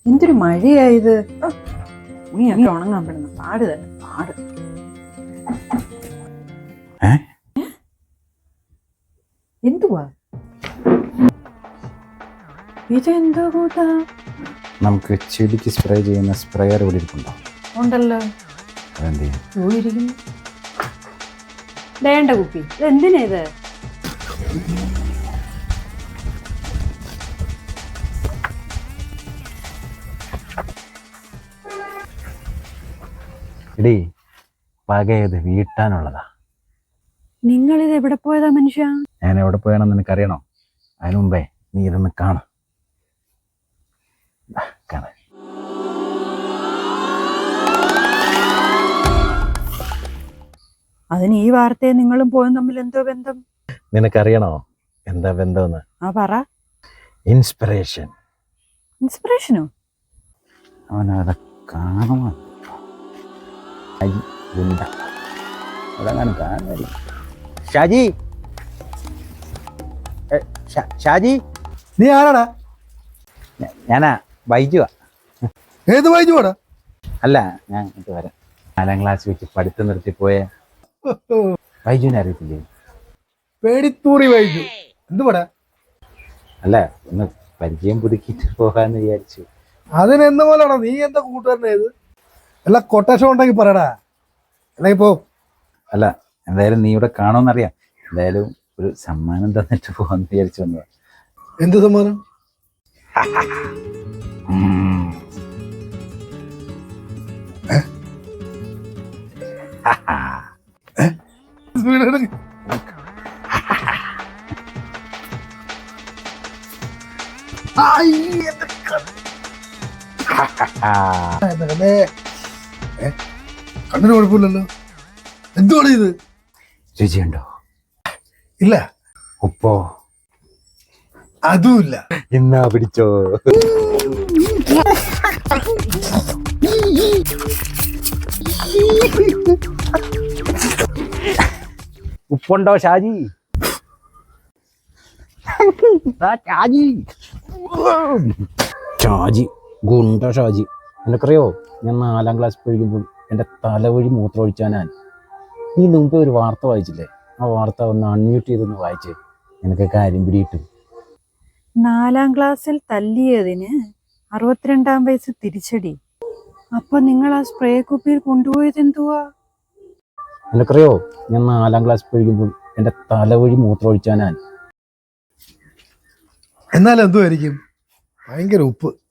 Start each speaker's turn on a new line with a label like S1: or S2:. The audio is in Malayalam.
S1: എന്തൊരു മഴയായത്. നീയൊക്കെ ഉണങ്ങാൻ പെടുന്ന പാട് തന്നെ പാട്. എന്തുവാ ഇതെന്തോ കൂട്ടാ?
S2: നമുക്ക് ചെടിക്ക് സ്പ്രേ ചെയ്യുന്ന സ്പ്രേയർ ഇവിടെ ഇരിപ്പുണ്ടോ?
S1: ഉണ്ടല്ലോ.
S2: അതെന്ത് ചെയ്യും?
S1: പോയിരിക്കുന്നു. വേണ്ട കുപ്പി. ഇതെന്തിനാ ഇത്?
S2: എടീ, പകയത് വീട്ടാനുള്ളതാ.
S1: നിങ്ങളിത് എവിടെ പോയതാ മനുഷ്യ?
S2: ഞാൻ എവിടെ പോയാണെന്ന് നിനക്കറിയണോ? അതിനു മുമ്പേ നീ ഇതൊന്ന് കാണാം.
S1: അതിന് ഈ വാർത്തയെ നിങ്ങളും പോയും തമ്മിൽ എന്തോ ബന്ധം?
S2: നിനക്കറിയണോ എന്താ ബന്ധമെന്ന്?
S1: ആ പറ.
S2: ഇൻസ്പിറേഷൻ.
S1: ഇൻസ്പിറേഷനോ?
S2: അവനത് കാണുമോ? അതങ്ങനെ കാണുന്നില്ല. ഷാജി, ഷാജി,
S3: നീ ആരാടാ?
S2: ഞാനാ ബൈജുവാ.
S3: ഏത് ബൈജുവാടാ?
S2: അല്ല, ഞാൻ ഇത് വരാം. 4ാം ക്ലാസ് വെച്ച് പഠിത്തം നിർത്തിപ്പോയ ബൈജുവിനെ അറിയത്തില്ലേ?
S3: പേടിത്തൂറി ബൈജു. എന്തുവാടാ?
S2: അല്ല, ഒന്ന് പരിചയം പുതുക്കിയിട്ട് പോകാന്ന് വിചാരിച്ചു.
S3: അതിനെന്ത് പോലെയാണോ? നീ എന്താ കൂട്ടുകാരനേത്? എല്ലാ കൊട്ടേഷൻ ഉണ്ടെങ്കിൽ പറയടാ, അല്ലെങ്കിൽ പോ.
S2: അല്ല, എന്തായാലും നീ ഇവിടെ കാണുമെന്നറിയാം. എന്തായാലും ഒരു സമ്മാനം തന്നിട്ട് പോകാന്ന് വിചാരിച്ചു വന്നതാ.
S3: എന്ത് സമ്മാനം? കണ്ണിന് കുഴപ്പമില്ലല്ലോ. എന്തുവാണ് ഇത്?
S2: രുചിയുണ്ടോ?
S3: ഇല്ല.
S2: ഉപ്പോ?
S3: അതുമില്ല.
S2: എന്നാ പിടിച്ചോ. ഉപ്പുണ്ടോ ഷാജി? ഷാജി, ഷാജി, ഗുണ്ട ഷാജി. നിനക്കറിയോ, ഞാൻ 4ാം ക്ലാസ് പഠിക്കുമ്പോൾ എൻ്റെ തലവഴി മൂത്രമൊഴിച്ചാനാൻ. നീ മുമ്പേ ഒരു വാർത്ത വായിച്ചില്ലേ? ആ വാർത്ത ഒന്ന് അൺമ്യൂട്ട് ചെയ്തൊന്ന് വായിച്ചേ, നിനക്ക് കാര്യം പിടിയിട്ടു.
S1: 4ാം ക്ലാസ്സിൽ തല്ലിയതിന് 62ാം വയസ്സ് തിരിച്ചടി. അപ്പൊ നിങ്ങൾ ആ സ്പ്രേ കുപ്പിയിൽ കൊണ്ടുപോയത് എന്തുവാ?
S2: നിനക്കറിയോ, ഞാൻ 4ാം ക്ലാസ് പഠിക്കുമ്പോൾ എൻ്റെ തലവഴി മൂത്രമൊഴിച്ചാനാൻ.
S3: എന്നാലും എന്തുമായിരിക്കും? ഭയങ്കര ഉപ്പ്.